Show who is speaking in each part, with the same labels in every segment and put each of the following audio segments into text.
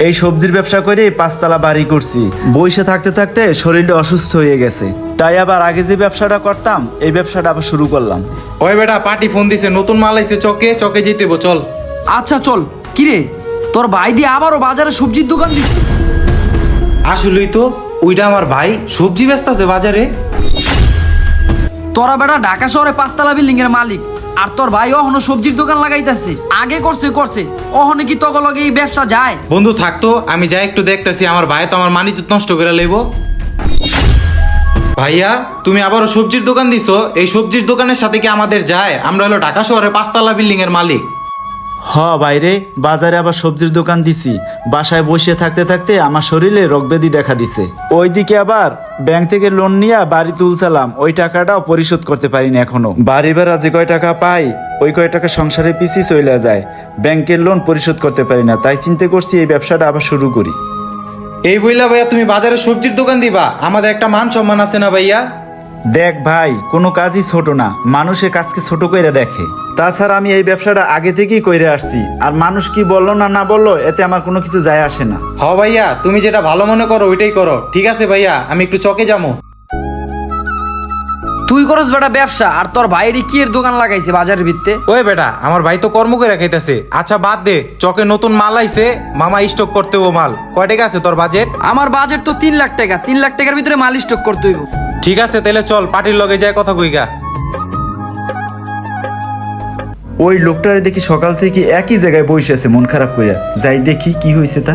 Speaker 1: এই সবজির ব্যবসা করে 5 তলা বাড়ি করছি। বসে থাকতে থাকতে শরীরটা অসুস্থ হয়ে গেছে, তাই আবার আগে যে ব্যবসাটা করতাম এই ব্যবসাটা আবার শুরু করলাম।
Speaker 2: ওই বেটা পার্টি ফোন দিছে, নতুন মাল আইছে, চকে যেতে হইব, চল।
Speaker 3: আচ্ছা চল। কিরে তোর ভাই দিয়ে আবারও বাজারে সবজির দোকান দিছে?
Speaker 2: আসলেই তো ওইটা আমার ভাই সবজি বেচতাছে বাজারে।
Speaker 3: তোরা বেটা ঢাকা শহরে 5 তলা বিল্ডিং এর মালিক, আর তোর ভাই অহনো সবজির দোকান লাগাইতেছে। আগে করছে অহনে কি তক লগে এই ব্যবসা যায়?
Speaker 2: বন্ধু থাকতো, আমি যাই একটু দেখতেছি, আমার ভাই তো আমার মানিজ্জত নষ্ট করে লইব। ভাইয়া তুমি আবারও সবজির দোকান দিছো, এই সবজির দোকানের সাথে কি আমাদের যায়? আমরা হলো ঢাকা শহরে 5 তলা বিল্ডিং এর মালিক।
Speaker 1: বাইরে বাজারে আবার সবজির দোকান দিছি। বাসায় বসে থাকতে থাকতে আমার শরীরে রোগব্যাধি দেখা দিছে। ওইদিকে আবার ব্যাংক থেকে লোন নিয়ে বাড়ি তুলছিলাম, ওই টাকাটাও পরিশোধ করতে পারিনি এখনো। বাড়ি ভাড়া যে কয় টাকা পাই ওই কয় টাকা সংসারে পিছিয়ে চলে যায়, ব্যাংকের লোন পরিশোধ করতে পারি না। তাই চিন্তা করছি এই ব্যবসাটা আবার শুরু করি।
Speaker 2: এই বইলা ভাইয়া তুমি বাজারে সবজির দোকান দিবা, আমাদের একটা মান সম্মান আছে না ভাইয়া?
Speaker 1: দেখ ভাই, কোনো কাজই ছোট না, মানুষের কাজকে ছোট করে দেখে। তাছাড়া আমি এই ব্যবসাটা আগে থেকেই করে আসছি, আর মানুষ কি বললো না বললো এতে আমার কোনো কিছু যায় আসে না।
Speaker 2: ভাইয়া তুমি যেটা ভালো মনে করো ওইটাই করো। ঠিক আছে ভাইয়া, আমি একটু চকে যাবো।
Speaker 3: তুই করস বেটা ব্যবসা, আর তোর ভাইয়েরই কি এর দোকান লাগাইছে বাজারের ভিত্তে?
Speaker 2: ওই বেটা আমার ভাই তো কর্ম করে খাইতেছে। আচ্ছা বাদ দে, চকে নতুন মাল আইছে, মামা স্টক করতে হবো মাল। কয় টাকা আছে তোর বাজেট?
Speaker 3: আমার বাজেট তো 3 লাখ টাকা। 3 লাখ টাকার ভিতরে মাল স্টক করতে হইব।
Speaker 2: ঠিক আছে তাহলে চল, পার্টির লগে যায় কথা কইগা।
Speaker 1: ওই লোকটার দেখি সকাল থেকে একই জায়গায় বসে আছে মন খারাপ করে। যাই দেখি কি হয়েছে তার।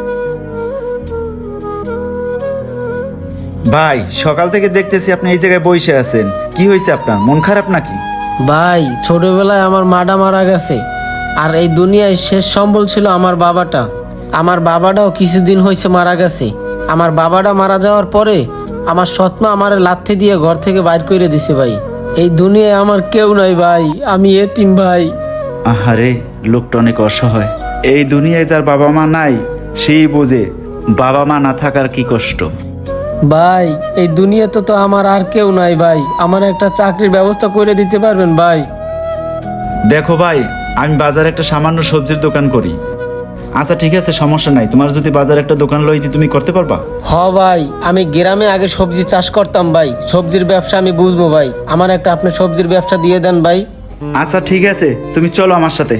Speaker 1: ভাই সকাল থেকে দেখতেছি আপনি এই জায়গায় বসে আছেন, কি হয়েছে আপনার? মন খারাপ নাকি?
Speaker 4: ভাই ছোটবেলায় আমার মাটা মারা গেছে, আর এই দুনিয়ায় শেষ সম্বল ছিল আমার বাবাটা। আমার বাবাটাও কিছুদিন হয়েছে মারা গেছে। আমার বাবাটা মারা যাওয়ার পরে আমার সৎমা আমার লাথি দিয়ে ঘর থেকে বাইর করে দিছে। ভাই এই দুনিয়ায় আমার কেউ নাই ভাই, আমি এতিম ভাই।
Speaker 1: আহারে, লোকটা অনেক অসহায়। এই দুনিয়ায় যার বাবা মা নাই সেই বোঝে বাবা মা না থাকার কি কষ্ট।
Speaker 4: ভাই এই দুনিয়াতে তো আমার আর কেউ নাই ভাই, আমার একটা চাকরির ব্যবস্থা করে দিতে পারবেন ভাই?
Speaker 1: দেখো ভাই, আমি বাজারে একটা সামান্য সবজির দোকান করি। আচ্ছা ঠিক আছে, সমস্যা নাই। তোমার যদি বাজারে একটা দোকান লইতে তুমি করতে পারবা?
Speaker 4: ভাই আমি গ্রামে আগে সবজি চাষ করতাম ভাই, সবজির ব্যবসা আমি বুঝবো ভাই। আমার একটা আপনি সবজির ব্যবসা দিয়ে দেন ভাই।
Speaker 1: আচ্ছা ঠিক আছে, তুমি চলো আমার সাথে।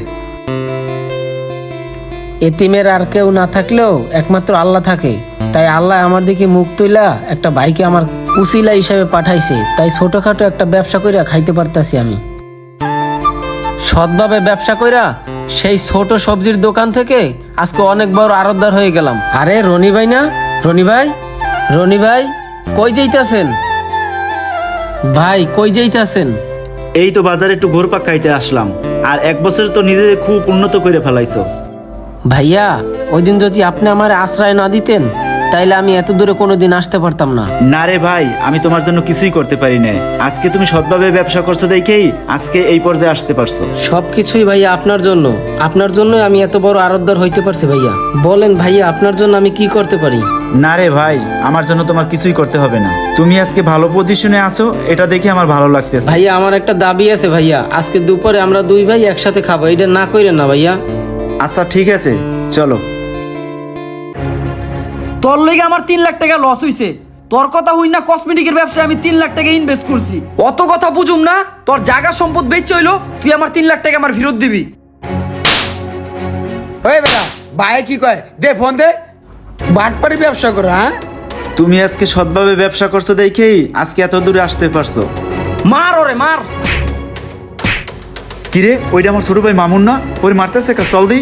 Speaker 4: এতিমের আর কেউ না থাকলেও একমাত্র আল্লাহ থাকে, তাই আল্লাহ আমার দিকে মুখ তুইলা একটা ভাইকে আমার উসিলা হিসাবে পাঠাইছে। তাই ছোটখাটো একটা ব্যবসা কইরা খাইতে পারতাছি আমি। সৎভাবে ব্যবসা কইরা সেই ছোট সবজির দোকান থেকে আজকে অনেক বড় আড়তদার হয়ে গেলাম। আরে রনি ভাই না? রনি ভাই কই যাইতাছেন? ভাই কই যাইতাছেন?
Speaker 1: এই তো বাজারে একটু ঘুরপাক খাইতে আসলাম। আর 1 বছর তো নিজে খুব উন্নত করে ফেলাইছো।
Speaker 4: ভাইয়া ওই দিন যদি আপনি আমার আশ্রয় না দিতেন তাইলে আমি এত দূরে কোনোদিন আসতে পারতাম না।
Speaker 1: না রে ভাই, আমি তোমার জন্য কিছুই করতে পারি না। আজকে তুমি সৎভাবে ব্যবসা করছো দেখেই আজকে এই পর্যায়ে আসতে পারছো।
Speaker 4: সবকিছুই ভাইয়া আপনার জন্যই আমি এত বড় আরতদার হইতে পারছি ভাইয়া। বলেন ভাইয়া আপনার জন্য আমি কি করতে পারি?
Speaker 1: না রে ভাই, আমার জন্য তোমার কিছুই করতে হবে না। তুমি আজকে ভালো পজিশনে আছো, এটা দেখে আমার ভালো লাগতেছে।
Speaker 4: ভাইয়া আমার একটা দাবি আছে ভাইয়া, আজকে দুপুরে আমরা 2 ভাই একসাথে খাবো, এটা না কইরেন না ভাইয়া।
Speaker 1: আচ্ছা ঠিক আছে, চলো।
Speaker 3: তোর লেগে আমার 3 লাখ টাকা লস হইছে। তোর কথা হই না কসমেটিকের ব্যবসায় আমি 3 লাখ টাকা ইনভেস্ট করছি। অত কথা বুঝুম না, তোর জায়গা সম্পদ বেচে হইলো তুই আমার 3 লাখ টাকা আমার ফেরত দিবি।
Speaker 5: ওই বেটা ভাই কি কয়, দে ফোন দে। বাটপাড়ি ব্যবসা করো? হ্যাঁ
Speaker 1: তুমি আজকে সৎভাবে ব্যবসা করছো দেখেই আজকে এত দূরে আসতে পারছো।
Speaker 3: মার ওরে মার।
Speaker 1: কিরে, ওইটা আমার ছোট ভাই মামুন না? ওই মারতেছে কা? চল দি।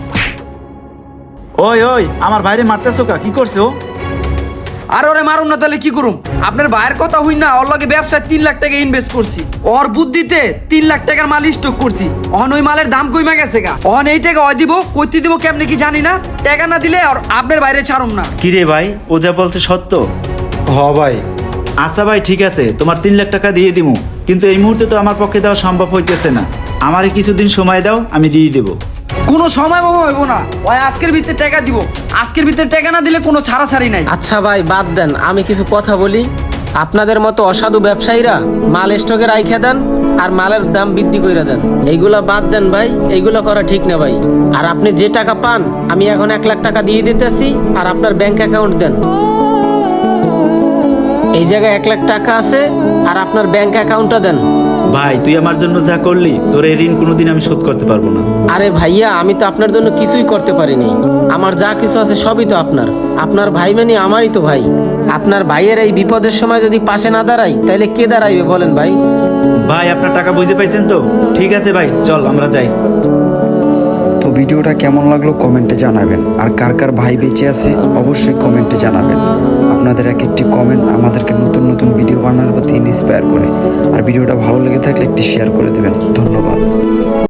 Speaker 1: ওই আমার ভাইরে মারতেছো কা? কি করছো?
Speaker 3: আর ওরে মারুম না তাহলে কি করুম? আপনার ভাইয়ের কথা হই না, ওর লগে ব্যবসায় 3 লাখ টাকা ইনভেস্ট করছি। ওর বুদ্ধিতে 3 লাখ টাকার মাল স্টক করছি। অহন ওই মালের দাম কইমা গেছে গা। অহন এই টাকা ওই দিব, কইতে দিব কেমনে কি জানি না। টাকা না দিলে আর আপনার বাইরে ছাড়ুম না।
Speaker 1: কিরে ভাই, ও যা বলছে সত্য?
Speaker 2: ভাই
Speaker 1: আচ্ছা ভাই ঠিক আছে, তোমার 3 লাখ টাকা দিয়ে দিমু, কিন্তু এই মুহূর্তে তো আমার পক্ষে দেওয়া সম্ভব হইতেছে না। আমারে কিছুদিন সময় দাও, আমি দিয়ে দেবো।
Speaker 3: কোনো সময় হইব না, ওই আজকের ভিতরে টাকা দিব। আজকের ভিতরে টাকা না দিলে কোনো ছাড়াছাড়ি নাই।
Speaker 4: আচ্ছা ভাই বাদ দেন, আমি কিছু কথা বলি। আপনাদের মতো অসাধু ব্যবসায়ীরা মাল স্টকে রাইখা দেন আর মালের দাম বৃদ্ধি করে দেন। এইগুলা বাদ দেন ভাই, এইগুলো করা ঠিক না ভাই। আর আপনি যে টাকা পান আমি এখন 1 লাখ টাকা দিয়ে দিতেছি, আর আপনার ব্যাংক অ্যাকাউন্ট দেন। এই জায়গায় 1 লাখ টাকা আছে, আর আপনার ব্যাংক অ্যাকাউন্টটা দেন।
Speaker 1: ভাই তুই আমার জন্য যা করলি, তোর এই ঋণ কোনোদিন আমি শোধ করতে পারবো না।
Speaker 4: আরে ভাইয়া, আমি তো আপনার জন্য কিছুই করতে পারিনি। আমার যা কিছু আছে সবই তো আপনার। আপনার ভাই মানে আমারই তো ভাই। আপনার ভাইয়ের এই বিপদের সময় যদি পাশে না দাঁড়াই, তাহলে কে দাঁড়াইবে বলেন ভাই?
Speaker 1: ভাই আপনার টাকা বুঝে পাইছেন তো? ঠিক আছে ভাই, চল আমরা যাই।
Speaker 6: তো ভিডিওটা কেমন লাগলো কমেন্টে জানাবেন, আর কার কার ভাই বেঁচে আছে অবশ্যই কমেন্টে জানাবেন। আপনাদের এক একটি কমেন্ট আমাদেরকে নতুন নতুন ভিডিও বানানোর প্রতি ইন্সপায়ার করে। আর ভিডিওটা ভালো লেগে থাকলে একটি শেয়ার করে দেবেন। ধন্যবাদ।